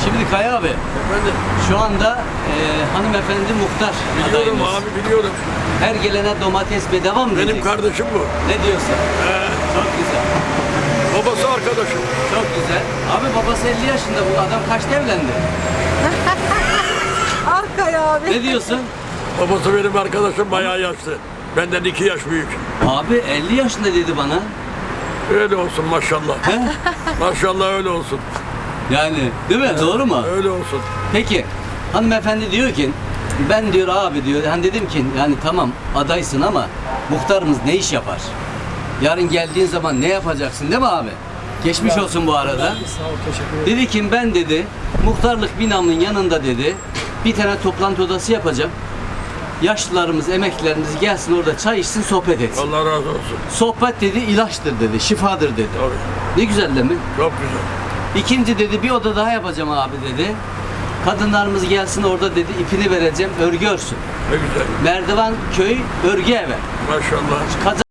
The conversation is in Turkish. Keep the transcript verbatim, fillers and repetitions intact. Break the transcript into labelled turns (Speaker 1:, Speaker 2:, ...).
Speaker 1: Şimdi Kaya abi,
Speaker 2: Efendim?
Speaker 1: şu anda e, hanımefendi muhtar
Speaker 2: Biliyorum
Speaker 1: adayımız.
Speaker 2: abi biliyorum.
Speaker 1: Her gelene domates bedava mı
Speaker 2: Benim
Speaker 1: diyeceksin?
Speaker 2: kardeşim bu.
Speaker 1: Ne diyorsun?
Speaker 2: He,
Speaker 1: Çok güzel.
Speaker 2: babası arkadaşım.
Speaker 1: Çok güzel. Abi babası elli yaşında, bu adam kaçta evlendi?
Speaker 3: Arkaya abi.
Speaker 1: Ne diyorsun?
Speaker 2: Babası benim arkadaşım bayağı yaşlı. Benden iki yaş büyük.
Speaker 1: Abi elli yaşında dedi bana.
Speaker 2: Öyle olsun maşallah.
Speaker 1: He?
Speaker 2: Maşallah öyle olsun.
Speaker 1: Yani değil mi? Doğru mu?
Speaker 2: Öyle olsun.
Speaker 1: Peki hanımefendi diyor ki ben diyor abi diyor hani dedim ki yani tamam adaysın ama muhtarımız ne iş yapar? Yarın geldiğin zaman ne yapacaksın değil mi abi? Geçmiş olsun bu arada.
Speaker 3: Sağ ol, teşekkür ederim.
Speaker 1: Dedi ki ben dedi muhtarlık binamın yanında dedi bir tane toplantı odası yapacağım. Yaşlılarımız, emeklilerimiz gelsin orada çay içsin, sohbet etsin.
Speaker 2: Allah razı olsun.
Speaker 1: Sohbet dedi ilaçtır dedi, şifadır dedi.
Speaker 2: Tabii.
Speaker 1: Ne güzel değil mi?
Speaker 2: Çok güzel.
Speaker 1: İkinci dedi bir oda daha yapacağım abi dedi. Kadınlarımız gelsin orada dedi ipini vereceğim örgü örsün.
Speaker 2: Ne güzel.
Speaker 1: Merdivan köy örgü evi.
Speaker 2: Maşallah.
Speaker 1: Kazan